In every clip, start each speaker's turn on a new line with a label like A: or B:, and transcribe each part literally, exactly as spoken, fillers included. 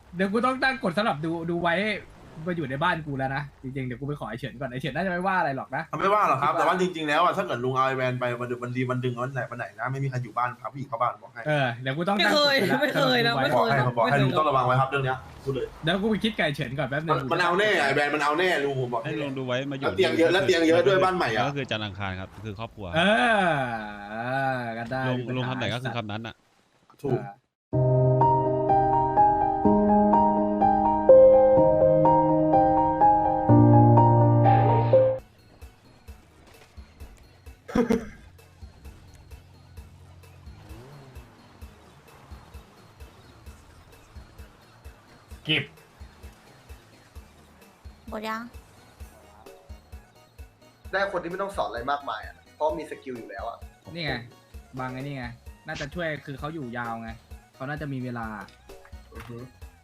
A: เดี๋ยวกูต้องตั้งกฎสำหรับดูดูไว้มาอยู่ในบ้านกูแล้วนะจริงๆเดี๋ยวกูไปขอไอเฉินก่อนไอเฉินน่าจะไม่ว่าอะไรหรอกนะ
B: ไม่ว่าหรอกครับแต่ว่าจริงๆแล้วอ่ะถ้าเกิดลุงเอาไอแวนไปวันดึงวันดีวันดึงวันไหนวันไหนนะไม่มีใครอยู่บ้านพาผู้หญิงเข้าบ้านบอกให้
A: เออเดี๋ยวกูต้อง
C: ไม่
A: ตั้ง
C: เค
A: กฎ
C: ย
A: ปแล้ว
C: ไม่เคยนะ
A: สำหรับ
C: ไม่
A: ดู
C: เค
A: ไว้
C: ย
B: บอกให้บอกให้ลุงต้องระวังไว้ครับเรื่องเนี้ยพูดเลย
A: เดี๋ยวกูไปคิดไก่เฉินก่อนแป๊บนึ
B: มัน
A: ง
B: มันเอาแน่ไอแวนมันเอาแน่ลุงผมบอก
D: ให้ลองดูไว้มาอยู่
B: แล้วเตียงเยอะแล้วเตียงเยอะด้วยบ้านใหม่อ่ะ
D: ก็คือจันทร์อังคารครับคือครอบครัว
A: เออเออกันได้
D: ลงลงคำไหนก็คือคำนั้นอ่ะ
B: ถูก
A: กิบ
E: หมดยัง
F: ได้คนที่ไม่ต้องสอนอะไรมากมายอ่ะ เพราะมีสกิลอยู่แล้วอ่ะ
A: นี่ไงบางไอ้นี่ไงน่าจะช่วยคือเขาอยู่ยาวไงเขาน่าจะมีเวลา
F: อือฮึ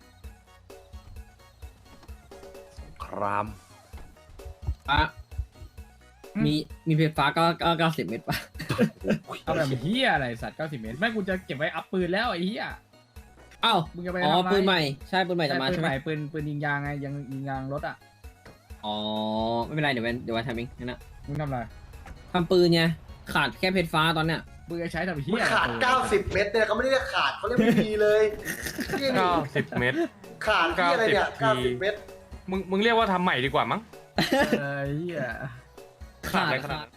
G: คราม
C: อ่ะมีมีเพชรฟ้าก็ก็เก้าสิบเมตรป่ะ
A: เอาแบบเฮียอะไรสัตว์เก้าสิบเมตรไม่กูจะเก็บไว้อัพปืนแล้วไอ้เฮีย
C: อ้าว
A: มึงจะไป
C: อ๋อ
A: ทำอะไร
C: ปืนใหม่ใช่ปืนใหม่จะมา
A: ปื
C: ใช่
A: น
C: ไห
A: ให
C: ม
A: ม่ปืนปืนยิงยางไงยังยิงยางรถอ่ะ
C: อ๋อไม่เป็นไรเดี๋ยววันเดี๋ยววันทำเองนั่นนะ
A: มึงทำอะไร
C: ทำปืนไงขาดแค่เพชรฟ้าตอนเนี้ย
A: มึงจะใช้ทำเฮี
F: มัน
A: ย
F: ขาด เก้าสิบ เม็ดเนี่ยเขาไม่ได้เรียกขาดเขาเรียกไม่มีเลยนี่นี่
H: เก้าสิบเมตร
F: ขาดที่อะไรเนี่ย
H: เก้า
F: เก้า
H: สิ
F: สิ
H: บ
F: บ เม็ด
H: มึงมึงเรียกว่าทำใหม่ดีกว่ามั้ง
A: เออเฮีย
H: ขาดอะไรขนาด
C: ขา
H: นั้
C: ด
H: น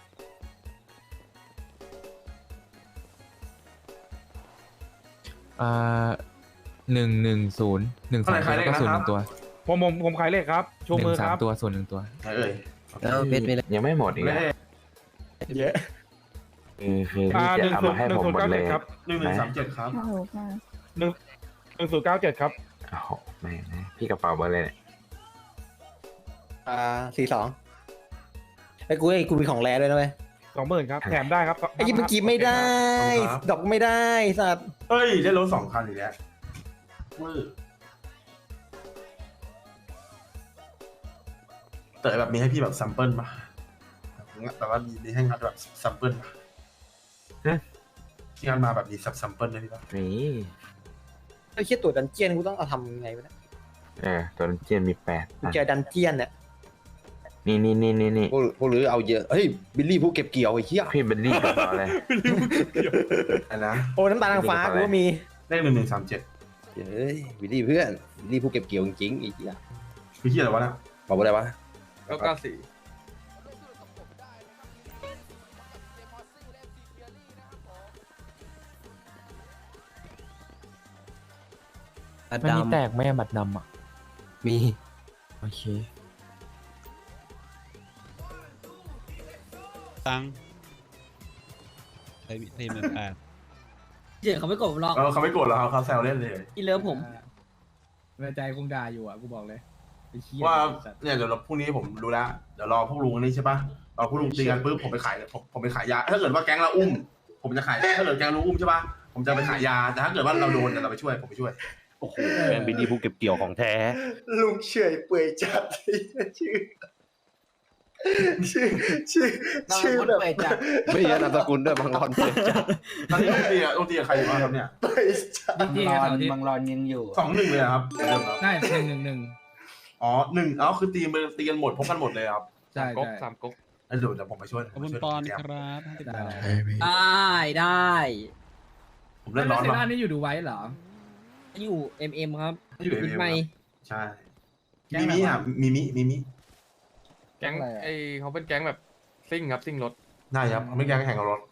G: อ่าหนึ่งหนึ่งศูนย์หนึ่งสามตัวแล้วก็ศูนย์หนึ่งตัว
H: ผมผมผมขายเลขครับชู
G: หนึ่
H: มือง
G: สา
H: ค
G: ม
H: รับ
G: ตัวศูนย์หนึ่งตัว
B: ไหนเอ่ย
I: แล้วเพชรมีอะไรยังไม่หมดอีก
B: ไม่
I: อะ
B: ได้
H: เยอะ
I: คือคือ
H: อ่า
I: พี่
H: ห
I: จะ
H: นึ่ง
I: เอา
H: ศู
I: มาน
H: ย์
I: ให้
H: หนึ่
I: ผ
H: ง
I: ม
H: ศูนย์
I: หมด
H: เก้า
I: เล
H: เจ็
I: ย
H: ดครับ
B: หนึ่งหนึ่งสามเจ็ดครับ
E: ฮัลโหลค่ะ
H: หนึ่งหนึ่งศูนย์เก้าเจ็ดครับ
I: โอ้โหแม่งนะพี่กระเป๋าเบอร์เลยเนี่ย
J: อ่าสี่สองไอ้กูไอ้กูมีของแร่ด้วยนะเว้ย
H: สองหมื่นครับแถมได้ครับ
J: ไอ้ยี่เมื่อกี้ไม่ได้ ดอกไม่ได้สัตว์
B: เฮ้ยได้รถสองคันอีกแล้วมือแต่แบบมีให้พี่แบบซัมเปิลป่ะแต่ว่ามีมีให้งัดแบบซัมเปิลป่ะที่งัดมาแบบมีซับซัมเปิลได้พี่ป่ะ
I: นี่
J: ไอ้เชี่ยตัวดันเจียนกูต้องเอาทำยังไงวะเนี่ย
I: เออตัวเจียนมีแปด
J: กูเจอดันเจียนเนี่ย
I: นี่นี่นี่นี่นี่
J: พวกพวกหรือเอาเยอะเฮ้ยบิลลี่ผู้เก็บเกี่ยวไอ้เหี้ย
I: พี่เบลลี่กระเป๋าอะไร
B: อันนะ
J: โอ้น้ำตาลนางฟ้ากูก็มี
B: เลขหนึ่งหนึ่งสามเจ็ด
J: เฮ้ยบิลลี่เพื่อนบิลลี่ผู้เก็บเกี่ยวจริงๆไอ้เหี้ย
B: พี่เฮียอะไรวะนะ
J: บอกว่าอะไรวะ
H: แล้วก็สี่
G: มันมีแตกไหมอะบัตรดำอ่ะ
J: มี
G: โอเค
D: ตังค์ใช้ทีมเป็นแปด
C: เจ๋เขาไม่กดผมหรอก
B: เออเขาไม่โกรธเราเขาแซวเล่นเลย
C: อีเลิฟผม
A: ในใจคงด่าอยู่อ่ะกูบอกเลยไอ้เฮีย
B: ว่า
A: สัตว์
B: เนี่ยเดี๋ยวเราพรุ่งนี้ผมรู้แล้วเดี๋ยวรอพวกลุงอันนี้ใช่ป่ะรอพวกลุงตีกันปุ๊บผมไปขายผมผมไปขายยาถ้าเกิดว่าแก๊งเราอุ้ม ผมจะขายถ้าเกิดแก๊งเราอุ้มใช่ป่ะผมจะไปขายยาแต่ถ้าเกิดว่าเราโดนเดี๋ยวเราไปช่วยผมไปช่วย
J: โอ้โหแม่งบิลลี่ผู้เก็บเกี่ยวของแท้ลุงเฉยเปื่อยจัดชื่อชื่อชื่อชื่อแบบ
I: ไม่ยันนามสกุลด้วยบางรอนเปื่อยจัด
B: ตอนนี้ลุงตีอะลุงตีกับใครอยู่บ้างครับเนี่ย
J: เปื่อยจัด
A: ดีดีกับเสาร์อาทิตย์
I: บางรอนยังอยู่
B: สองหนึ่งเลยอะครับเดิมครับ
A: ใช่หนึ่งหนึ่งหนึ่ง
B: อ๋อหนึ่งอ๋อคือตีมือตีกันหมดพบกันหมดเลยครับ
A: ใช่
H: ก๊ก
A: ใช่
H: สามก๊ก
B: เอ้ยเดี๋ยวเดี๋ยวผมไปช่วย
D: ขอบคุณ
B: ผมไปช่วย
D: ปอน
B: เตรียม
D: ครับห้าสิบบาท
C: ได้ได้
B: ผมเล่นร้อน
A: เซ
B: ป่ะ
A: ร่านี่อยู่ดูไว้เหรอ
C: อยู่เอ็มเอ็มครับ
B: อยู่เอ็ม
C: มิด
B: เอ็ม
C: ไม่
B: ใช่
A: แก๊ง
B: มี
A: อะไร
B: มิ
A: วะ
B: อ่ะมีมิมีมิ
H: แก๊ง
A: อะไรอะ
H: ไอเขาเป็นแก๊งแบบซิ่งครับซิ่งรถ
B: ได้ครับไม่แข่งแข่งกับรถ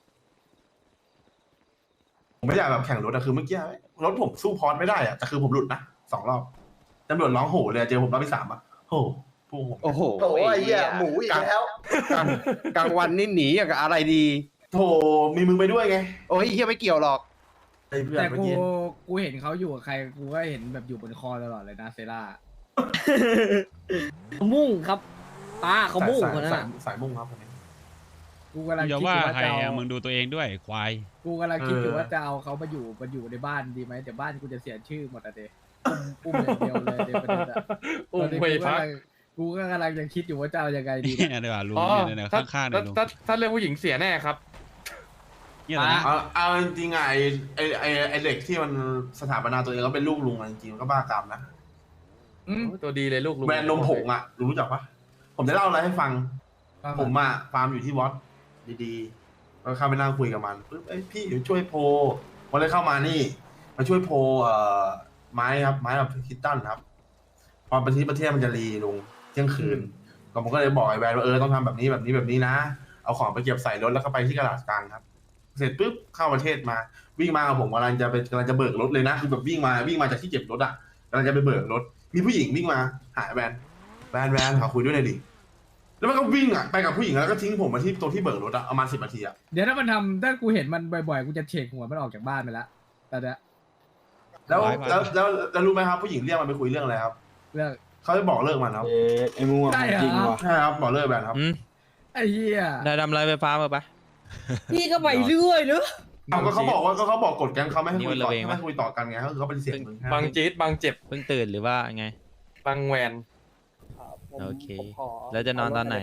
B: ผมไม่อยากแบบแข่งรถอะคือเมื่อกี้รถผมสู้พอร์ตไม่ได้อะแต่คือผมหลุดนะสองรอบตำรวจร้องโห่เลยเจอผมรอบที่สามอะโห่พวกผม
J: โอ้โห
F: โอ้ยไอ้เหี้ยหมูอีกแล้ว
J: กลางวันนี่หนีอย่างกับอะไรดี
B: โถมีมึงไปด้วยไง
J: โอ้ยเฮียไม่เกี่ยวหรอก
B: ไอ้เพื่อน
A: แต่
B: เมื่อ
A: กู
B: กี้
A: กูเห็นเขาอยู่กับใครกูก็เห็นแบบอยู่บนคอตลอดเลยนะเซร่า
C: เขามุ่งครับป้าเขามุ่ง
B: สาย
C: คนนั้น
B: สาย
C: อะ
B: สายมุ่งครับคนนี้
A: กูกำลัง
D: อย่า
A: คิดอ
D: ว่า
A: ยู่ว่า
D: ใคร
A: จะเอา
D: อะมึงดูตัวเองด้วยควาย
A: กูกำลังคิดอยู่ว่าจะเอาเขามาอยู่มาอยู่ในบ้านดีไหมแต่บ้านกูจะเสียชื่อหมดอะเดอุ้มอุ้มอย่างเดียวเลยเดประเด็นอะ
H: อุ้ม
A: ตอนนี้
H: เว
A: กู
H: พัก
A: กำลังกูก็กำลังจะคิดอยู่ว่าจะเอายังไงดี
D: เนี่ยดีกว่าลุง
H: อ๋อ
D: เนี่ยเนี่ย
H: ถ้า
D: ข้างๆเนี่
H: ถ้าย
D: ลุง
H: ถ้าถ้าเรื่องผู้หญิงเสียแน่ครับ
D: เนี่ยเหรอนะ
B: เอาเอาจริงๆอะไอไอไอไอเด็กที่มันสถาปนาตัวเองก็เป็นลูกลุงอะจริงๆมันก็บ้ากรรมนะ
A: อืม
H: ตัวดีเลยลูกลุง
B: แบรนด์นมผงอะรู้จักปะผมจะเล่าอะไรให้ฟัง ผมอะฟาร์มอยู่ที่วอตดีๆก็เข้าไปนั่งคุยกับมันปุ๊บเอ้ยพี่เดี๋ยวช่วยโพลวันเลยเข้ามานี่มาช่วยโพลเอ่อไม้ครับไม้แบบคิตตันครับพอประเทศประเทศมันจะรีลงเที่ยงคืนก็ผมก็เลยบอกไอ้แวนว่าเออต้องทำแบบนี้แบบนี้แบบนี้นะเอาของไปเก็บใส่รถแล้วก็ไปที่กระดาษกลางครับ เสร็จปุ๊บเข้าประเทศมาวิ่งมากับผมกำลังจะไปกำลังจะเบิกรถเลยนะคือแบบวิ่งมาวิ่งมาจากที่เก็บรถอะกำลังจะไปเบิกรถ มีผู้หญิงวิ่งมาหาแวนแวนแวนขอคุยด้วยหน่อยดิแล้วมันก็วิ่งอะไปกับผู้หญิงแล้วก็ทิ้งผมมาที่ตรงที่เบิกรถอะประมาณสิบนาทีอะ
A: เดี๋ยวถ้ามันทำถ้ากูเห็นมันบ่อยๆ กูจะเฉกหัวมันออกจากบ้านไปแล้วแต่เนี้ย
B: แล้วแล้วแล้วแล้วรู้ไหมครับผู้หญิงเรียกมันไปคุยเรื่องอะไรครับ
A: เรื่อง
B: เขาจะบอกเลิกมันครับ
J: เอ๊ะไอ้มัว
A: ใช่เหรอ
J: จริงวะ
B: ใช่ครับบอกเลิกแวนครับ
D: อืม
A: ไอ้เหี้ย
G: ได้ดำไรไฟฟ้ามาปะ
C: พี่ก็ไปเรื่อยเนอะ
B: เอาก็เขาบอกว่าก็เขาบอกกฎแก๊งเขาไม่ให้
G: นี่
B: คุ
G: มั
B: ย
G: น
B: ต่
G: ระ
B: อ
G: เวง
B: ไม่
G: ปะ
B: ให้คุยต่อกันไงก็คือเขาปฏิเสธมึง
H: บางจี๊ดบางเจ็บ
G: เพิ่งตื่นหรือว่าไง
H: บางแหวน
G: โอเค แล้วจะนอนตอนไหน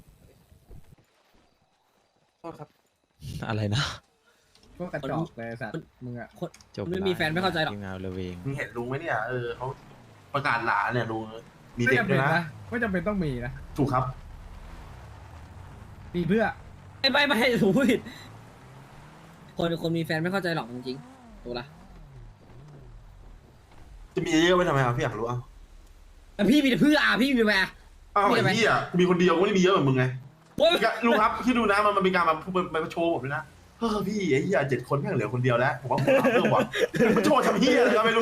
H: โทษครับ
G: อะไรนะ
A: พวกกระจอกเลยไอ้สัตว์มึงอะ
G: จบ
C: ไม่มีแฟนไม่เข้าใจหรอก
G: ทีมงานระเวง
B: มึงเห็นลุงไหมเนี่ยเออเขาประกาศหลานเนี่ยลุงมี
A: ไม่
B: เด็ก
A: จำ
B: ด้
A: เป็
B: วน ยนะ
A: นะไม่จำเป็นต้องมีนะ
B: ถูกครับ
A: มีเพื่อ
C: ไม่ไม่ไม่ถูกผิดคนคนมีแฟนไม่เข้าใจหรอกจริงๆถูกละ
B: จะมีเยอะๆไว้ทำไมครับพี่อยากรู้อ่ะ
C: แต่พี่มีแต่เพื่ออ่ะพี่มีแฟน
B: อ้าว
C: มีอะไร
B: ไอ้พี่อ่ะกูมีคนเดียวกูไม่ได้มีเยอะเหมือนมึงไง
C: โอ้ย
B: ลุงครับที่ดูนะมันมันเป็นการมาพูดมาโชว์ผมด้วยนะเฮ้อพี่ไอ้เหี้ยเจ็ดคนแม่งเหลือคนเดียวแล้วผมว่าผมรับเรื่องว่ะมันโชว์ทำเหี้ยอะไรก็ไม่รู้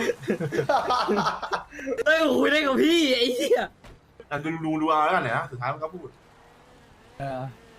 C: เอ้ยคุยได้กับพี่ไอ้เหี้ย
B: อ่ะดูดูดูเอาแล้วกันนะสุดท้ายมันก็พูด
A: เออ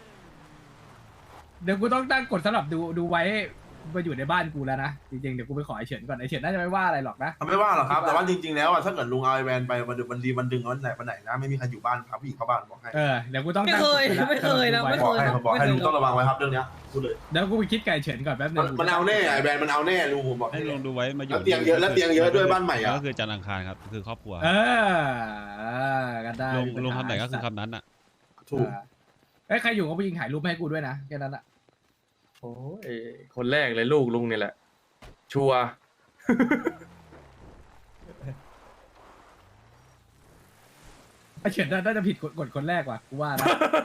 A: เดี๋ยวกูต้องตั้งกฎสำหรับดูดูไว้มาอยู่ในบ้านกูแล้วนะจริงๆเดี๋ยวกูไปขอไอเฉินก่อนไอเฉินน่าจะไม่ว่าอะไรหรอกนะ
B: ไม่ว่าหรอกครับแต่ว่าจริงๆแล้วอ่ะถ้าเกิดลุงเอาไอแวนไปมันมันดีมันดึงวันไหนวันไหนนะไม่มีใครอยู่บ้านพาผู้หญิงเข้าบ้านบอกให้
A: เออเดี๋ยวกูต้อง
C: ไม่
A: ตั้ง
C: เค
A: กฎ
C: ย
A: ปแล้ว
C: ไม่เคยนะ
A: สำหรับ
C: ไม่
A: ดู
B: บ
A: ไว้
B: อกให้บอกให้
C: ไม่เคย
B: ลุงต้องระวังไว้ครับเรื่องเนี้ยพูดเลย
A: เดี๋ยวกูไปคิดไก่เฉินก่อนแป๊บนึ
B: มัน
A: ง
B: มันเอาแน่ไอแวนมันเอาแน่ลุงผมบอก
D: ให้ลองดูไว้มาอยู่
B: แล้วเตียงเยอะแล้วเตียงเยอะด้วยบ้านใหม่อ่ะ
D: ก็คือจันทร์อังคารครับคือครอบครัว
A: เออเออกันได้
D: ลง
A: มีปัญ
D: ลง
A: หา
D: คำไหนก็คือคำนั้นอ่ะ
B: ถูก
A: เอ้ยใครอยู่ก็ไปยิงถ่ายรูปให้กูด้วยนะแค่นั้นอะ
H: โอ้ยคนแรกเลยลูกลุงนี่แหละ ชัวร์
A: ไอเฉินน่าจะผิดกฎกฎคนแรกว่ะกูว่านะ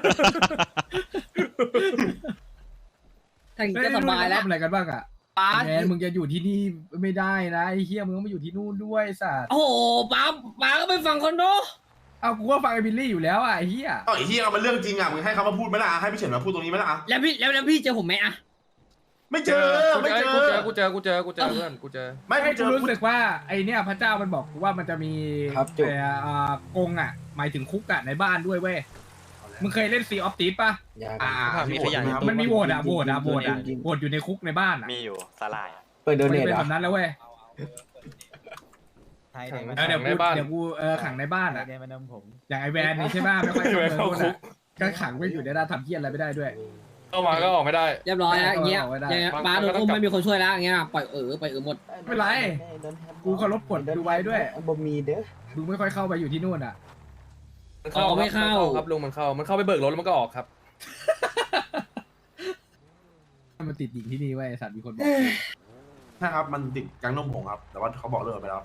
C: แต่งก็สบายแล้ว
A: ทำอะไรกันบ้างอะ
C: ป้า
A: แมนมึงจะอยู่ที่นี่ไม่ได้นะไอ้เฮียมึงต้องมาอยู่ที่นู่นด้วยไอ้สัตว์
C: โอ้โหป้าป้าก็ไปฟังคอนโด
A: เอากูว่าฟังไอ้บิลลี่อยู่แล้วอ่ะไอ้เฮีย
B: เอ้าไอ้เหี้ยมันเรื่องจริงอ่ะมึงให้เขามาพูดไหมล่ะให้พี่เฉินมาพูดตรงนี้ไหมล่ะ
C: แล้วพี่แล้วแล้วพี่เจอผมไหมอะ
B: ไม่เจอไม่เจอ
H: กูเจอกูเจอกูเจอกูเจอเพื่อนกูเจอ
B: ไม่
A: ให้
B: ไม่เจ
A: กู
B: อ
A: รู้สึกว่าไอเนี่ยพระเจ้ามันบอกกูว่ามันจะมี
J: ครับจุ๊บ
A: แต่อ่ากรงอ่ะ หมายถึงคุกอ่ะในบ้านด้วยเว้ยมึงเคยเล่นซีออฟตีป่ะ
J: อย่า
B: อ่า
G: มีขยะ
B: ครับ
A: มันมีโหวตอ่ะโหวตอ่ะโหวตอ่ะ
J: จริงๆ
A: โหวตอยู่ในคุกในบ้านอ่ะ
I: มีอยู่สลาย
J: เปิดโด
A: มัน
J: เน
A: จะ
J: ท
A: เป็น
J: เหร
A: แบ
J: อบ
A: นั้นแล้วเว้ย
H: ขัง
A: เออเดี๋ยว
H: ใน
A: กู
H: บ้าน
A: เดี๋ยวกูเออขังในบ้านอ่ะอย่างไอแวนนี่ใช่ป่ะไม่ค่อย
H: ไอ้แวน
A: เข้า
H: เข้าคุ
A: คุ
H: ก
A: กก็ขังไว้อยู่ในด้านทำเพี้ยอะไรไม่ได้ด้วย
H: เข้ามาก็ออกไม่ได้
C: เรียบร้อยแล้วอย่างเงี้ย
A: เอาไว้ได้
C: อย่างเงี้ย
H: บาง
C: ป้าโดน
H: บาง
C: อุ้ม
H: ก็ต้อง
C: ไม่มีคนช่วยแล้วอย่างเงี้ยปล่อยเออปล่อยเออหมด
A: ไม่เป็นไร กูเคารพกฎดูไว้ด้วย
J: บ่มีเด้อ
A: มึงไม่ค่อยเข้าไปอยู่ที่นู่นอ่ะ
H: มันเข้า
C: อ๋อไม่เข้า
H: นครับลุงมันเข้ามันเข้าไปเบิกรถแล้วมันก็ออกครับ
A: มันติดหญิงที่นี่เว้ยไอ้สัตว์มีคนบอก
B: ใช่ครับมันติดแก๊งนมผงครับ แต่ว่าเขาบอกเลิกไปแล้ว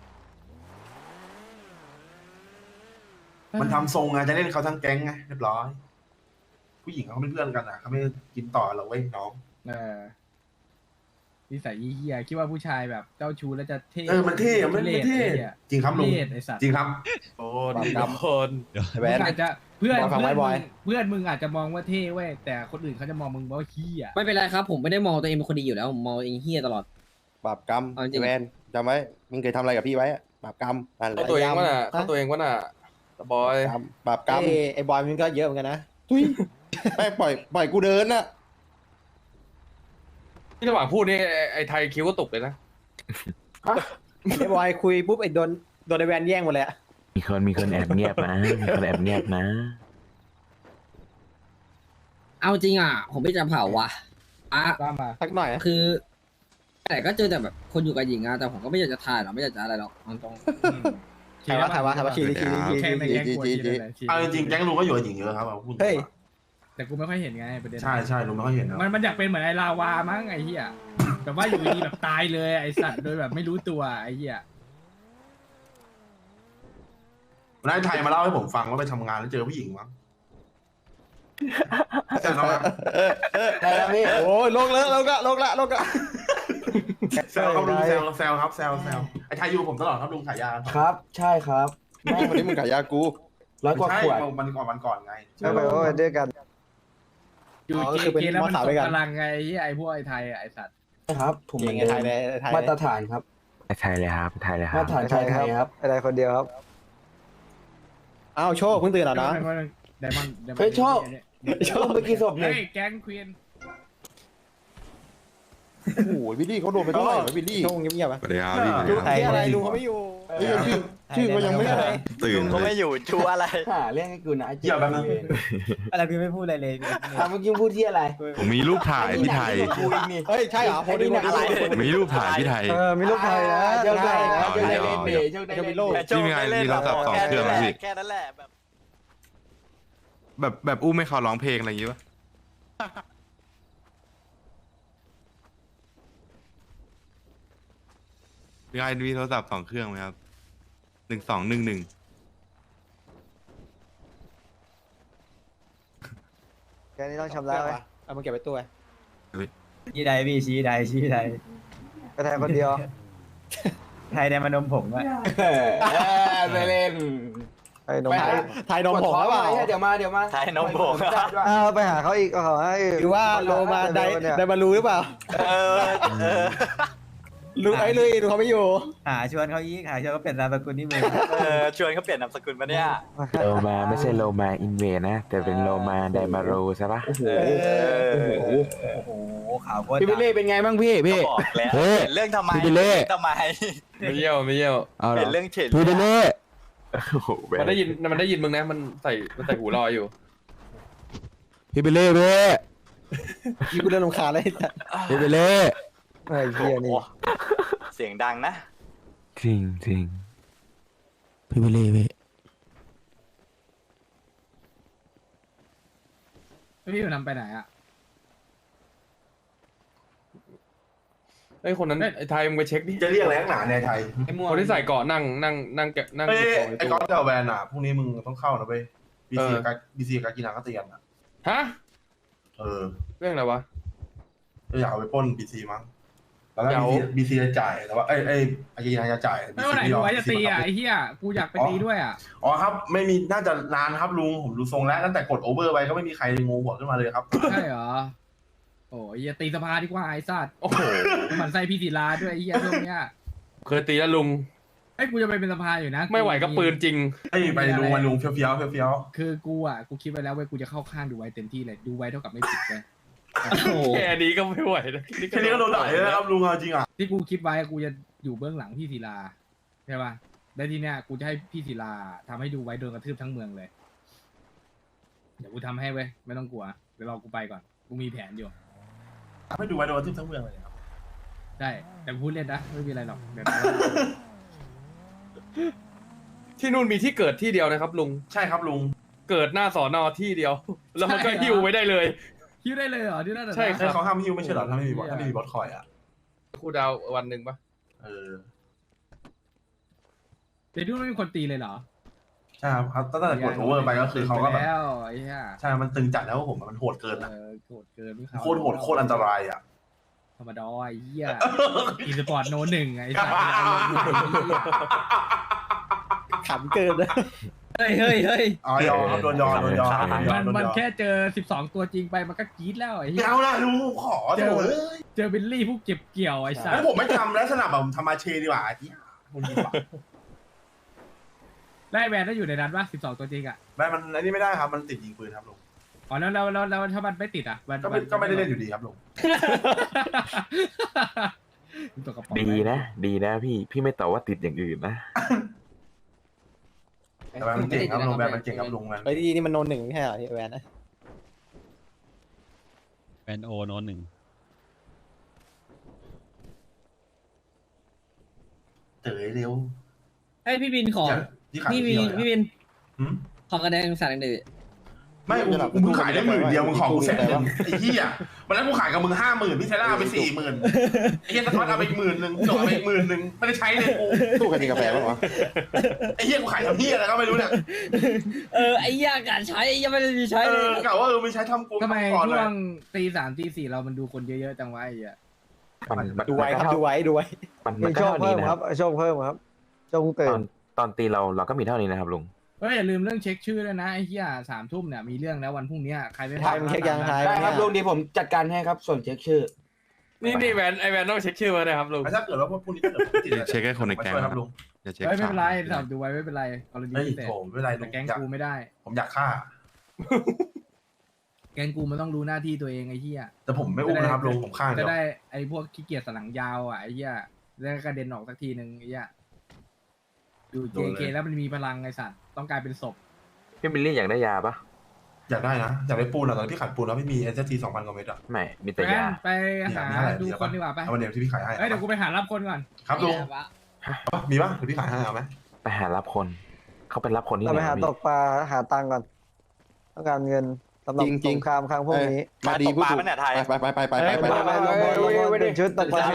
B: มันทำทรงไงจะเล่นเขาทั้งแก๊งไงเรียบร้อย ผู้หญิงเขาเป็นเพื่อนกันอ่ะเขาไม่กินต่อหรอกเว้ยน้อง
A: เออนิสัยเฮียคิดว่าผู้ชายแบบเจ้าชู้แล้วจะเท่
B: เออมันเท่อะมันมันเท่
A: ไอ้หี้ย
B: จริงครับลุง
A: เท่ไอสัตว์
B: จริงครับ
H: โอ้ดีคน
J: แหว
A: มึ
J: น
A: งอาจจะเพื่อน
J: บอกฟัง
A: เพื่อน
J: ไว้บ
A: มึ
J: อย
A: งเพื่อนมึงอาจจะมองว่าเท่เว้ยแต่คนอื่นเขาจะมองมึงว่าเฮีย
C: ไม่เป็นไรครับผมไม่ได้มองตัวเองเป็นคนดีอยู่แล้วผมมองตัวเองเฮี้ยตลอด
J: บาปกรรม
C: เอาจริง
J: แวนจำไว้มึงเคยทำอะไรกับพี่ไว้อะบาปกรรมนั่นแหละ
H: เข้าตัวเองวะน่ะเข้าตัวเองวะน่ะตะบอย
J: กรรมบาปกรรมไอ้บอยมันก็เยอะเหมือนกันนะทุยไม่ปล่อยปล่อยกูเดินน่ะ
H: ที่ระหว่างพูดนี่ไอ้ไอ้ไทยคิ้วก็ตกเลยนะ
J: ไอ้บอยคุยปุ๊บไอ้โดนโดนไอ้แวนแย่งหมดเลยอะ
I: มีคนมีคนแอบเงียบนะมีคนแอบเงียบนะ
C: เอาจริงอ่ะผมไม่จะเผาว่ะอ่ะ
A: ตามมา
J: สักหน่อยอะ
C: คือ แต่ก็เจอแต่แบบคนอยู่กับหญิงอะแต่ผมก็ไม่อยากจะถ่ายหรอกไม่อยากจะอะไรหรอกเอาตรง
J: ถ่ายว่าถ่ายว่าถ่ายว่าชี้ชี้ชี้
A: แค่
J: ชี้
A: ไม่
J: ชี้
A: แย่ง
J: ชี้
A: กลัว
J: ชี้
A: ชี้
J: ชี้
A: เลยชี้
B: เอาจริงๆแก๊งลุงก็อยู่กับหญิงเยอะครับเอาพูดตรงๆ
J: เฮ้ย
B: อะ
A: แต่กูไม่ค่อยเห็นไงประเด็น
B: ใช่ใช่ลุงไม่ค่อยเห็นนะ
A: มันมันอยากเป็นเหมือนไอ้ลาวามั้งไอ้เหี้ยแบบว่าอยู่ดีแบบตายเลยไอ้สัตว์โดยแบบไม่รู้ตัวไอ้เหี้ย
B: วันนั้นไอ้ไทยมาเล่าให้ผมฟังว่าไปทำงานแล้วเจอผู้หญิงมั้งแต่เราอะ
J: ได้แล้วพี่โอ้ยโลกแล้วโลกละโลกละโลกละ
B: แซวครับลุงแซวแซวครับแซวแซวไอ้ไทยอยู่กับผมตลอดครับลุงขายยากัน
J: ครับ ใช่ครับแม่คนนี้มึงขายยากูร้อยกว่า
B: ใช่
J: ขวด
B: มันก่อนมันก่อนไง
J: ใช่ไหมว่าด้วยกัน
A: อยู่
J: อ๋อ
A: เก
J: คือเป็น
A: เกแล้วมัน
J: มอสาว
A: ต
J: ด้วย
A: ก
J: กัน
A: กำลังไงไอ้เหี้ยไอ้พวกไอ้ไทยอะไอ้สัตว์
J: ครับผมเหมือนไทยเลยมาตรฐานครับ
I: ไทยเลยครับไทยเลยค
J: มา
I: รั
J: ต
I: บ
J: รฐานไทยไทยครับอะไรคนเดียวครับอ้าวโชคเพิ่งตื่นเหรอนะ
A: ไดมอนด์
J: เฮ้ยโชค โชคเมื่อกี้ศพ
A: เฮ้
J: เนี่ย
A: ยแก๊งควีน
J: โอ้โหวิลลี่เขาโดนไปเท่าไหร่วะวิลลี่โชคเงียบๆอ่ะ
D: สวัสดีครับพี่
J: ดูที่อะไรลุงเขาไม่อยู่ชื่อชื่อเขายังไม่ได้
D: ตื่น
E: ก็
D: เล
E: ไม่
D: ย
E: อยู่ชูอะไร
J: หาเรื่องให้กูนะ
B: เกี่ยวแบบนั้น
E: อะไรพี่ไม่พูดอะไรเลย
J: อ่ะเมื่อกี้พูดที่อะไร
D: ผมมีรูปถ่ายพี่ไทย
J: เฮ้ยใช่เหรอโพสต์ดิโพสต์ดิ
D: ผมมีรูปถ่ายพี่ไทย
J: เออมีลูกไทยนะเจ้าได้นะเจ้าได้เล่นเดย์เจ้าได้เล่นเดย์
D: พี่มีไงมีโทรศัพท์สองเครื่องไหมพี่
E: แค่นั้นแหละแบบ
D: แบบแบบอู้ไม่เขาร้องเพลงอะไรอย่างงี้ปะพี่ไงมีโทรศัพท์สองเครื่องไหมครับหนึ่งสองหนึ่งหนึ่ง
J: แค่นี้ต้องชำระไหมเอามาเก็บไว้ตัว
E: ชี้ใดพี่ชี้ใดชี้ใด
J: กระแทกคนเดียว
E: ไทยในมานมผงอะ
J: ไปเล่นไอ้นมไทยนมผงหรือเปล่าเดี๋ยวมาเดี๋ยวมา
E: ไทยนมผง
J: อ้าวไปหาเขาอีกขอให้หรือว่าโลมาไดไดมารูหรือเปล่า
E: เออเออ
J: รู้ไอ้เลยดูเขาไม่อยู่
E: หาชวนเขาอีกหาชวนเขาเปลี่ยนนามสกุลนี่มึงเออชวนเขาเปลี่ยนนามสกุลมาเนี่ย
I: โลมาไม่ใช่โลมาอินเวนะ แต่เป็นโลมาไดมาโรใช่ปะ
J: โอ้โห
E: โอ้โหข่าวโคตร
J: พี่บิลลี่เป็นไงบ้างพี่พี่
E: ก็บอกแล้ว
J: เฮ้ย
E: เปลี่ยนเรื่องทำไม
J: พี่บิลลี่
E: เปลี่ยนทำไม
H: ไม่เยี่ยวไม่เยี่ยว
J: เอา
E: เป
J: เหร
E: ลี่
J: อย
E: นเรื่องเฉย
J: พี่บิลลี่
I: โอ้โหแบ
H: มัน
I: บ
H: ได้ยินมันได้ยินมึงนะมันใส่มันใส่หูลอยอยู่
J: พี่บิลลี่พี่พี่กูเริ่มรำคาญแล้วพี่บิลลี่ไอ้เหี้ยนี่
E: เสียงดังนะ
I: จริงจริง
J: พี่บิลลี่พี่
A: พี่อยู่นำไปไหนอ่ะ
H: ไอ้ยคนนั้นไอ้ไทยมึงไปเช็คดิ
B: จะเรียกอะไรนักหนาในยไทย
H: คนที่ใส่เกาะนั่งนั่งนั่งแกะนั่ง
B: เอ้ย
H: เก็บของ
B: ไอ้
H: ใน
B: ก๊อ
H: ตู้
B: ตกับแวนอ่ะพรุ่งนี้มึงต้องเข้านะเว้ยบีซีกับบีซีกับกินาก็เตียนอ่ะ
H: ฮะ
B: เออ
H: เรื่องอะไรวะ
B: จะอยากเอาไปปล้นบีซีมั้งแล้วก็
H: เดี๋ยว
B: บีซีจะจ่ายแต่ว่าเอ้ยเอ้ยอากินาจะจ่าย
A: ไม่ว่าไหนกูไว้จะตีอ่ะไอ้เหี้ยกูอยากไปตีด้วยอ่ะ
B: อ๋อครับไม่มีน่าจะนานครับลุงผมดูทรงแล้วตั้งแต่กดโอเวอร์ไปก็ไม่มีใครงูหัวขึ้นมาเลยครับ
A: ใช่เหรอโอ้ยอย่าตีสภาดีกว่าไอ้สัตว์
H: โอ้โห
A: มันใส่พี่ศิลาด้วยไอ้เหี้ยช่วงเนี้ย
H: เคยตีแล้วลุง
A: ไอ้ยกูจะไปเป็นสภาอยู่นะ
H: ไม่ไหวก็ปืนจริง
B: ไอ้ยไปลุงมาลุงเฟี้ยวเฟี้ยวเฟี้ยว
A: คือกูอ่ะกูคิดไว้แล้วเว้ยกูจะเข้าข้างดูไว้เต็มที่เลยดูไว้เท่ากับไม่ผิดเลย
H: แค่นี้ก็ไม่ไหวนะ
B: แค่นี้ก็โดนด่าเลยนะครับลุงเอาจริงอ่ะ
A: ที่กูคิดไว้กูจะอยู่เบื้องหลังพี่ศิลาใช่ป่ะแล้วทีเนี้ยกูจะให้พี่ศิลาทำให้ดูไว้โดนกระทืบทั้งเมืองเลยเดี๋ยวกูทำให้เว้ยไม่ต้องกลัวเดี๋ยวรอกูไปก่อนกูมีแผนอยู่
B: ไม่ดูไว้โดนทึบทั้งเมืองเลยครับ
A: ได้แต่พูดเล่นนะไม่มีอะไรหรอกเดี๋ยวนะ
H: ที่นู่นมีที่เกิดที่เดียวนะครับลุง
B: ใช่ครับลุง
H: เกิดหน้าสอนอที่เดียว แล้วมันก็หิ้วไว้ได้เลย
A: คิดได้เลยเหรอที่นั่นเหรอ
H: ใช่
B: ใช่เขาห้ามฮิวไม่ใช่เหรอถ้าไม่มีบอสถ้าไม่มีบอสคอยอ่ะ
H: ครูดาววันหนึ่งปะ
B: เออ
A: เดี๋ยวที่นู่นไม่มีคนตีเลยเหรอ
B: ใช่ครับเขาตั้งแต่กดโอเวอร์ไปก็คือเขาก็แบบ
A: แล้วไอ้เหี้ย
B: ใช่มันตึงจัดแล้วผมมันโหดเกิน
A: เอ
B: นะ
A: อโกรธเกินไม่
B: โคตรโหดโคตรอันตรายอ่ะ
A: ธรรมดาไอ้เหี้ยอีสปอร์ตโนหนึ่งไอ้สัตว์
J: ขำเกินนะ
E: เฮ้ยเฮ้ยเฮ้ย
B: อ๋อยอมครับโดนยอมโดนยอม
A: มันมันแค่เจอสิบสองตัวจริงไปมันก็กรี๊ดแล้วไอ้เหี้
B: ไม่
A: ย
B: เอาละลุงขอเถอะเลย
A: เจอบิลลี่ผู้เก็บเกี่ยวไอ้สัต
B: แล้ว
A: ว์
B: ผมไม่ทำแล้วสนับแบบทำมาเชดีกว่าไอ้ที่คุณดีกว่า
A: ได้แวนได้อยู่ในนั้นปะสิบสองตัวจริงอ่ะ
B: ไม่มันอันนี้ไม่ได้ครับมันติดยิงปืนครับลุง
A: อ๋อแล้วแล้วแล้วแล้วถ้ามันไม่ติดอ่ะมัน
B: ก็ไม่ก็ไม่ได้เล่นอยู่ดีครับลุง
A: ตัวกระป๋อง
I: ดีนะ ดีนะพี่พี่ไม่ตอบว่าติดอย่างอื่นนะ
B: แต่มันเก่งครับลุงแบบมันเก่งครับลุงมัน
J: ไอ้ที่นี่มันโนนหนึ่งไม่ใช่เหรอที่แวนนะ
D: แอนโอโนหนึ่ง
B: เต๋อเร็ว
C: ไอ้ยพี่บินขอ
B: ที่ขาย
C: พี่บิน
B: เที่ยว
C: พี่บิน
B: หืม
C: ขอกระแดงสารหนึ่ง
B: ไม่กูกูมึงขายได้หมื่นเดียวมึงของกูแสนหนึ่งไอ้เหี้ยวันนั้นกูขายกับมึงห้าหมื่นพี่เทล่าไปสี่หมื่นไอ้เหี้ยสะท้อนเอาไปอีกหมื่นหนึ่งจบเอาไปอีกหมื่นหนึ่งไม่ได้ใช้เลยกู
J: ตู้ใครมีกาแฟบ้างวะ
B: ไอ้เหี้ยกูขายทำเหี้ยอะไรก็ไม่รู้เนี่ย
C: เออไอ้ยาการใช้ยังไม่ได้มีใช้
B: เอ
C: เล
B: อย กะว่าเออไม่ใช้ทำกู
A: ทำไม
B: ก่อนเล
A: ช่
B: ยว
A: งตีสามตีสี่เรามันดูคนเยอะๆจังวะไอ้เหี้ย
I: มันมัน
J: ดูไว้ครับดูไว้ดูไว้
I: มันมั
J: มี
I: นก็
J: โชค
I: เท่า
J: เพิ่
I: นี้
J: ม
I: นะ
J: ค
I: ค
J: รั
I: รั
J: บบ โชคเพิ่มครับโชคเติ
I: ตอ
J: ม
I: นตอนตีเราเราก็มีเท่านี้นะครับลุง
A: เฮ้ยอย่าลืมเรื่องเช็คชื่อด้วยนะไอ้เหี้ยสามทุ่มเนี่ยมีเรื่องแล้ววันพรุ่งนี้ใครไม่
J: ไทยมันเช็คยังไทย
K: ได้ครับลุงดีผมจัดการให้ครับส่วนเช็คชื่อ
H: นี่นี่แวนไอแวนต้องเช็คชื่อมาเลยครับลุง
B: ถ้าเกิดว่าพวกพวกนี้ถ้าเกิดติด
D: เช็คให้คนในแก๊ง
B: ครับลุง
D: อย่าเช็ค
A: เฮ้ยไม่เป็นไร
D: ข่าว
A: สามดูไว้ไม่เป็นไรกรณี
B: เฮ้ย
A: พิเศษ
B: โถไม่เป็นไรลุ
A: แต่
B: ง
A: แก๊ง
B: อยาก
A: กูไม่ได้
B: ผมอยากฆ่า
A: แก๊งกูมันต้องรู้หน้าที่ตัวเองไอ้เหี้ย
B: แต่ผมไม่อุ้มนะครับลุงผมฆ่า
A: จะ
B: เดียว
A: ได้ไอ้พวกขี้เกียจสลังยาวอ่ะไอ้เหี้ยแล้วกระเด็นออกสักทีหนึ่งไอ้เหี้ยอยู่ เจ เค แล้วมันมีพลังไอ้สัตว์ต้องกลายเป็นศพ
I: พี่บิลลี่อยากได้ยาปะ
B: อยากได้นะอยากได้ปูนอะตอนนนพี่ขายปูนแล้วไม่มีเอสทีสองพันกว่าเม็ดอะ
I: ไม่มีแต่
A: แม่
I: ยา
A: ไปหาดูคนดีกว่าไป
B: เอาวันเดียวที่พี่ขายให้
A: เอ้ยเดี๋ยวกูไปหารับคนก่อน
B: ครับลุงมีปะเดี๋ยวพี่ขายให้เอาไหม
I: ไปหารับคน เขาเป็นรับคนที่
J: เรา
I: ไห
J: ไป
I: น
J: หา
I: พี่
J: ตกปลาหาตังค์ก่อนต้องการเงินสำหรับสงครามครั้งพวกนี้
E: มาดีพูดถูกไปไปไปไปไป
J: ไปไปลงบอลลงบอลเป็นชุดตกปลา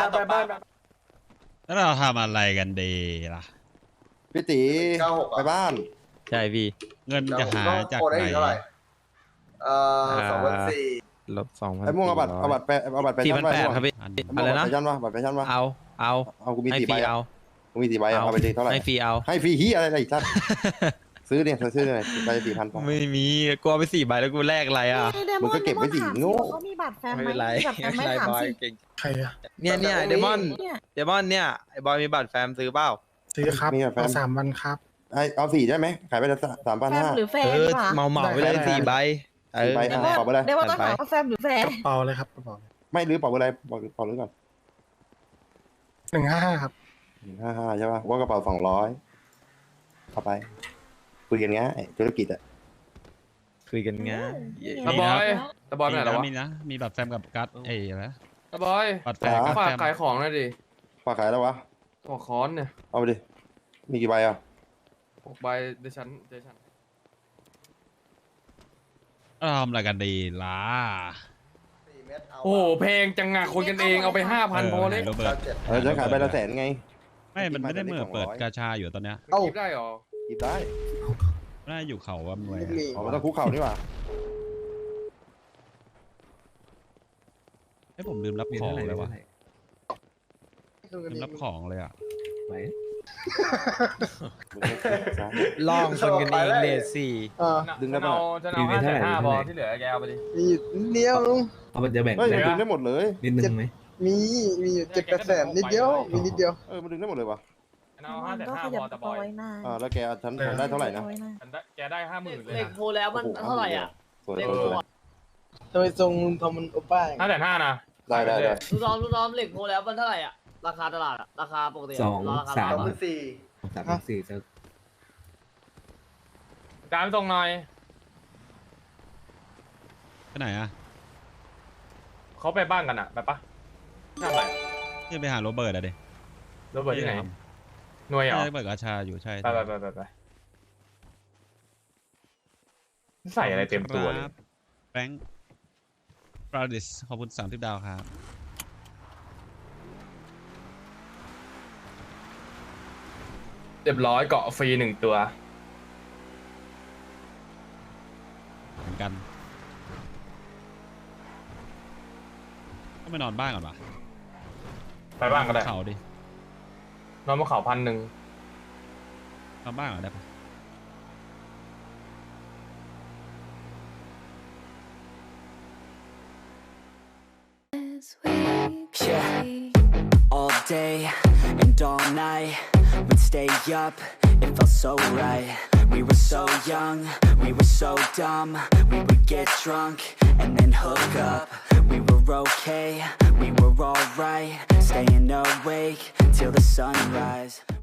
D: แล้วเราทำอะไรกันดีล่ะ
J: พี่ตี
F: เก้าหก
J: ไปบ้าน
D: ใช่พี่ เงินจะหาจาก
F: โอนได้
D: ไหน
F: อีกเท่าไหร่เอ่อสองพันสี่
G: ลบสองพัน
J: ไอ้ม่วงเอาบัตรเอาบัตรแปเอาบัตรแป
G: สี่
J: ชั่
G: พั
J: น
G: น
J: ไป
G: แปดครับพี่ อะไรนะ
J: แปชั่นวะบัตรแปชั่นวะ
G: เอา เอา
J: เอากูมี
G: ให้
J: สี่
G: ฟ
J: ใบ
G: รี
J: อะ
G: เอา
J: กูมีสี่ใบอะ
G: เอา
J: เอาไปดีเท่าไหร่
G: ให้ฟรีเอา
J: ให้ฟรีฮียอะไรอีกท่านซื้อเนี่ยซื้อเลยใบสี่พัน
G: ไม่มีกูเอาไปสี่ใบแล้วกูแลกอะไรอ่ะ
J: มึงก็เก็บไว้สิโง่
L: เขามีบัตรแฟน
G: ไม่
L: ไหม
G: เป็นไร
L: มีบัตรแฟนไหมถามสิ
F: ใครอะ
G: เนี่ยเนี่ยเดมอน
L: เนี่ย
G: เดมอนเนี่ยไอ้บอยมีบัตรแฟมซื้อเปล่า
F: ซื้อครับ
J: มีแบบแฟน
F: เอาสามวันครับ
J: ไอเอาสี่ได้ไหมขายไปละสามพัน
L: แฟน
J: ห้า
L: หรือแฟ
G: เอน อ
L: วะ
G: เมาเมาไปเลยสี่ใบเออ
J: สี่ใบ
L: เดี๋ยว
J: อ่ะ บอกไปเลย
L: เดี๋ยวว่าต้อง
G: จัด
L: ถาม
G: ไป
L: ว่าแฟนหรือแฟน
F: กระเป๋าเลยครับกระเป๋า
J: ไม่รื้อเปล่าอะไรบอกเปล่ารื้อก่อน
F: หนึ่งห้าห้าครับ
J: หนึ่งห้าห้าใช่ป่ะว่ากระเป๋าสองร้อยเข้าไปคุยกันง่ายธุรกิจอะ
G: คุยกันง่าย
H: ตะบอยตะบอยไปไหนแล้ววะ
D: มีนะ มีบัตรแฟมกับกัสเอ้ยอะไรนะ
H: ตะบอย
D: บัตรแฟมกับ
H: ฝาก
D: แฟม
H: ขายของหน่อยดิ
J: ฝากขายแล้ววะ
H: หัวค้อนเนี่ย
J: เอาไปดิมีกี่ใบอ่ะ
H: หกใบเดยวฉันเดยวฉัน
D: เราทำอะไรกันดีล่ะ
F: สี่เม็ดเอา
H: โอ้โหเพลงจังงะคนกันเองเอาไปห้าพันพอเลย
D: โรเบิร์ต
F: เจ็ด
J: เออจะขายใบละแสนไง
D: ไม่ มันไม่ได้เหมือนเปิด
J: สองร้อย
D: กาชาอยู่ตอนเนี้ย
H: เอ้าได้หรอ
J: หยิบได้
D: น่าอยู่เขาว่าหน่วย
J: อ๋อมันต้องคุกเข่านี่หว่า
D: ให้ผมลืมรับของเลยวะลืมรับของเลยอ่ะ
G: ล่องคนกันเองเลทสี่
J: ดึงได้
H: ฉัน
J: ปะ
H: เอาฉันเอาห้าแสนห้าพอที่เหลือแกเอาไปดิ
J: มีเดียวเอาไปจะแบ่งเฮ้ยมันดึงได้หมดเลย
H: นิดนึงไหม
J: มีมีอยู่เจ็ดแปดแสนนิดเดียวมีนิดเดียวเออมันดึงได้หมดเลยวะ
H: ฉันเอาห้าแสน
L: ก็
H: ห้า
L: ข
H: พ
L: ยับ
H: อก ตะ
L: ระ
H: บ
L: เป๋า
H: อย
L: ไว้หน้า
J: อ่าแล้วแกฉันได้เท่าไหร่นะ
H: ฉันได้แกได้ห้าหมื่นเลย
E: เหล็กโพแล้วมันเท่าไหร่อ่ะ
J: สวย
E: เหล็ก
J: ส
E: โพ
J: วย
E: อะ
J: ทำไมทรงทำมันโอป้า
H: ห้าแสนห้านะ
J: ได้ได้ได้
E: ลูกน้องลูกน้องเหล็กโพแล้วมันเท่าไหร่อ่ะราคาตลาดอ่ะราคาปกติะ
K: สอง
E: ราคา
K: สาม
F: สองพันสี่
K: สามสี่จะ
H: การส่งหน่อย
D: ไปไหนอ่ะ
H: เขาไปบ้านกันอ่ะไปปะทำอะไร
D: นี่ไปหาโรเบิร์ตอะเด็
H: รถเบิร์ดที่ไหนหน่วยเหรอ
D: ใช่เปิดกาชาอยู่ใช่
H: ไปไปไปไปไปใส่อะไรเต็มตัวเลย
D: แบงค์ปราดิสขอบคุณสามสิบดาวครับ
H: เรียบร้อยเกาะฟรีหนึ่งตัว
D: เหมือนกันต้องไปนอนบ้านก่อนปะ
H: ไปบ้านก็ได้
D: เขาดิ
H: นอนบนเขาพันหนึ่ง
D: นอนบ้านก่อนได้ปะ
K: Yeah, all day and all night, we'd stay up, it felt so right. We were so young, we were so dumb, we would get drunk and then hook up. We were okay, we were alright, staying awake till the sunrise.